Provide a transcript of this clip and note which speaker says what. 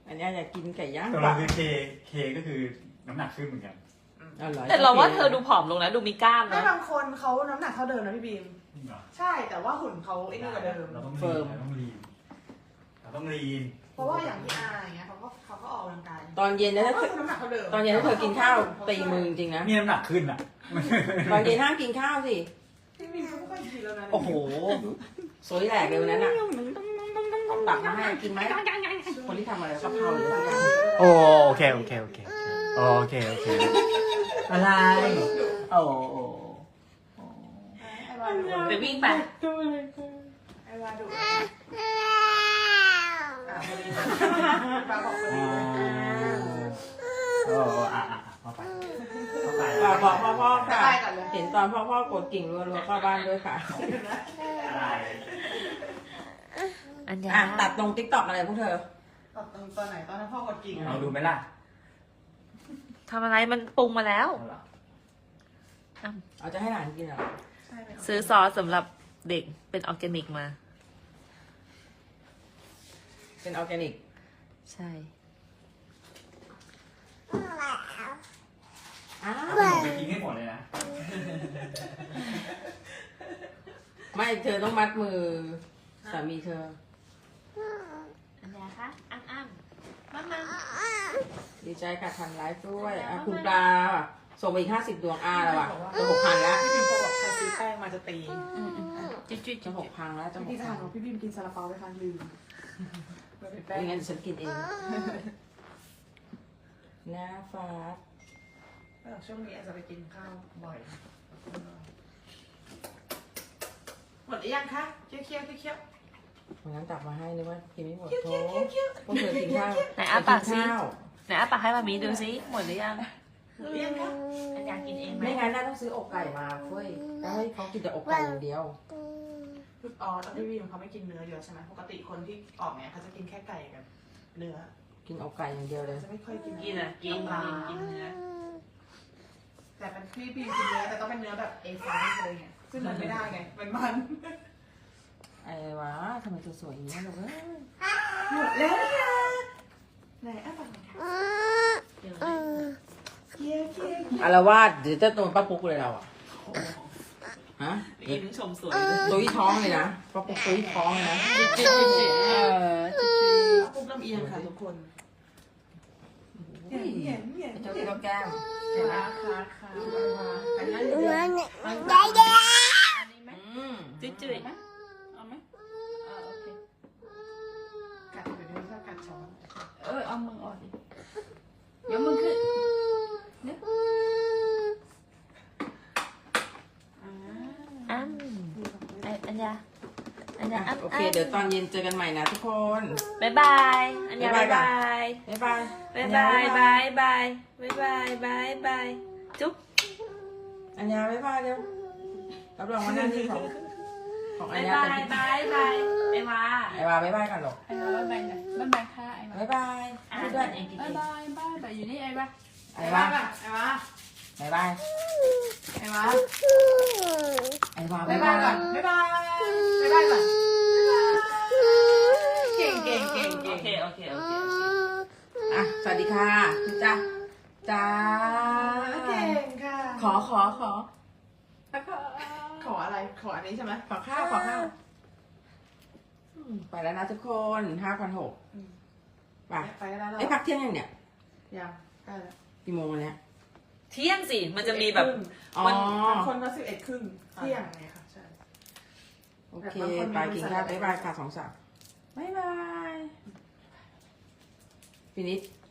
Speaker 1: อันนี้อยากกินไก่ย่าง
Speaker 2: ตัวเราคือเคก็คือน้ำหนักขึ้นเหมือนกัน
Speaker 3: แต่เราว่าเธอดูผอมลงนะดูมีกล้าม
Speaker 4: ไม่
Speaker 3: นะ
Speaker 4: บางคนเขาน้ำหนักเท่าเดิมนะพี่บีม
Speaker 2: จริงเหรอ
Speaker 4: ใช่แต่ว่าหุ่นเขาไอ้นี่กว่าเดิม
Speaker 2: เราต้องลีนเราต้องลีน
Speaker 4: เพราะว่าอย่างพี่อาอย่างเงี้ยเขาก็ออกกำลังกาย
Speaker 1: ตอนเย็นนะถ้า
Speaker 4: ก็คือน้ำหนักเท่าเดิม
Speaker 1: ตอนเย็นถ้าเธอกินข้าวตีมือจริงๆนะ
Speaker 2: นี่น้ำหนักขึ้นอ่ะ
Speaker 1: ตอนเย็นห้ามกินข้าวสิ
Speaker 4: พี่บีมเขาไม่ค่อยกินแล้วนะ
Speaker 1: โอ้โหสวยแหลกเลยวันนั้นอ่ะต้องตักมาให้กินไหมคนที่ทำอะไรกะเพราหรืออะไร
Speaker 2: โอเคอะไรโอ้
Speaker 4: ไอ้วาดุ
Speaker 3: ไปวิ่งไป
Speaker 4: ไอ้วาดุพอดีปลาบอกพอดี
Speaker 2: เข้าไป
Speaker 1: ฝากบอกพ่อค่ะเห็นตอนพ่อกดกิ่งรัวๆเข้าบ้านด้วยค่ะ
Speaker 2: อะไร
Speaker 3: อันยา
Speaker 1: ตัดตรงติ๊กต็อกอะไรพวกเธอ
Speaker 4: ตอนไหนตอนนั้นพ่อกดกิ่ง
Speaker 2: เราดูไหมล่ะ
Speaker 3: ทำอะไรมันปรุงมาแล้ว
Speaker 1: เอาจะให้หลานกินเหรอ
Speaker 3: ซื้อซอสสำหรับเด็กเป็นออร์แกนิกมา
Speaker 1: เป็นออร์แกนิก
Speaker 3: ใช่
Speaker 1: อ้าว
Speaker 2: ไปกินให้หมดเลยนะ
Speaker 1: ไม่เธอต้องมัดมือสามีเธอ
Speaker 3: อันยาคะอ้ำมา
Speaker 1: ดีใจค่ะทันไลฟ์ด้วยคุณปลาส่งไปอีก50 ดวงแล้วอ่ะจะ6,000แล้ว
Speaker 4: พี่บีมเขาบอกใครซื้อแป้งมาจะตี
Speaker 3: จุ๊จุ๊
Speaker 1: จะ6,000แล้วจะ
Speaker 4: พี่ทหารบอกพี่บีมกินซาลาเปาไปครั้งลืมแป้ง
Speaker 1: ไม่งั้นฉันกินเองหน้าฟ้า
Speaker 4: ช่วงนี้อาจจะไปกินข้าวบ่อยหมดหรือยังคะเคี้ยว
Speaker 1: วันนั้นตักมาให้นึกว่ากินไม่หมดโถพวกเธอกินข้าว
Speaker 3: ไหนอ้าปากซิ
Speaker 1: ข้าว
Speaker 3: ไหนอ้าปากให้มามีดูซิหมดหรือยัง
Speaker 4: หมดหรือยังคะ
Speaker 3: อันยากินเองไหม
Speaker 1: ไม่งั้นน่าต้องซื้ออกไก่มาเฟ้ยแล้วให้เขากินแต่อกไก่อย่างเดียว
Speaker 4: อ๋อตอนที่พี่บีมเขาไม่กินเนื้อเยอะใช่ไหมปกติคนที่ออกเนี่ยเขาจะกินแค่ไก่กับเนื้อ
Speaker 1: กินอกไก่อย่างเดียวเลย
Speaker 4: จะไม่ค่อยกิน
Speaker 3: กินอ่ะกินกินเนื้อ
Speaker 4: แต่เป็นพี่บีมกินเนื้อแต่ต้องเป็นเนื้อแบบA5เลยไงซึ่งมันไม่ได้ไงมัน
Speaker 1: ไอ้วะทำไมเธอสวยอย่างนี้ลูกเอ้ย
Speaker 4: หมดแล้วนะไหนอ่ะปากไหนคะ
Speaker 3: เดี๋ยว
Speaker 4: เคี้ยว
Speaker 1: อารวาสเดี๋ยวจะโดนป้าปุ๊กเลยเราอะฮะ
Speaker 3: ยิ้มชมสวย
Speaker 1: ตุ้ยท้องเลยนะป้าปุ๊กตุ้ยท้องเลยนะ
Speaker 3: จุ๊จุ๊จุ๊จุ๊
Speaker 4: ปุ๊บลำเอียงค่ะทุกคน
Speaker 1: เห็นเจ้าที่เราแก้ม
Speaker 4: ค่ะอันนั้น
Speaker 3: จุ๊จุ๊
Speaker 5: เอาไหมโอเค
Speaker 4: กัดอยู่ในนี้ก็กัดช้อน
Speaker 5: เอามือออกดิเดี๋ยวมือขึ้นเนี่ย
Speaker 3: อ้ำอันยาอ้ำ
Speaker 1: โอเค เดี๋ยวตอนเย็นเจอกันใหม่นะทุกคน
Speaker 3: บ๊ายบายอันยาบ๊ายบาย
Speaker 1: บ๊ายบาย
Speaker 3: บ๊ายบายบายบายบ๊ายบายบายบายจุ๊บ
Speaker 1: อัญญาบ๊ายบายเร็วรับรองว่าหน้าที่ของอั
Speaker 3: บา
Speaker 1: ญ
Speaker 3: ย
Speaker 1: ญา
Speaker 3: บา
Speaker 1: เป็
Speaker 3: ย
Speaker 1: น
Speaker 3: บายบายไอ้วา
Speaker 1: ไอ้วาบ๊ายบายกันหรอก
Speaker 5: ไอ้บ้าบ๊ายบายค่ะไอ้บ้า
Speaker 1: บ๊ายบาย
Speaker 3: พูดด้วยเองกินเอ
Speaker 5: บ๊าง ยบายอยู่นี่ไอ้บ้า
Speaker 1: ไอ้วา
Speaker 4: ไอ้วะ
Speaker 1: บ๊ายบาย
Speaker 4: ไอ้วะ
Speaker 1: ไอ้วา
Speaker 4: บ๊า
Speaker 1: บ๊าย ย
Speaker 4: บา
Speaker 1: บาย ย
Speaker 4: ก่อนบ๊ายบายบ๊ายบายก่อนเก่ง
Speaker 3: โอเคโอเคโอเค
Speaker 1: อ่ะสวัสดีค่ะจ้าจ้า
Speaker 4: เก่งค่ะ
Speaker 1: ขอ
Speaker 4: ขออะไรขออันนี้ใช่ไหม
Speaker 1: ขอข้าวไปแล้วนะทุกคน5,600ไป
Speaker 4: ไปได้แล้ว
Speaker 1: ไอ้พักเที่ยงยังเนี่ย
Speaker 4: ยังได้แล้ว
Speaker 1: กี่โมงวันเนี้ย
Speaker 3: เที่ยงสิมันจะมีแบบ
Speaker 1: อ๋อ
Speaker 4: คนก็11 ครึ่งเที่ยงไงค่ะใช่
Speaker 1: โอเคไปกินข้าวบ๊ายบายค่ะ2 สาวบ๊ายบายฟินิช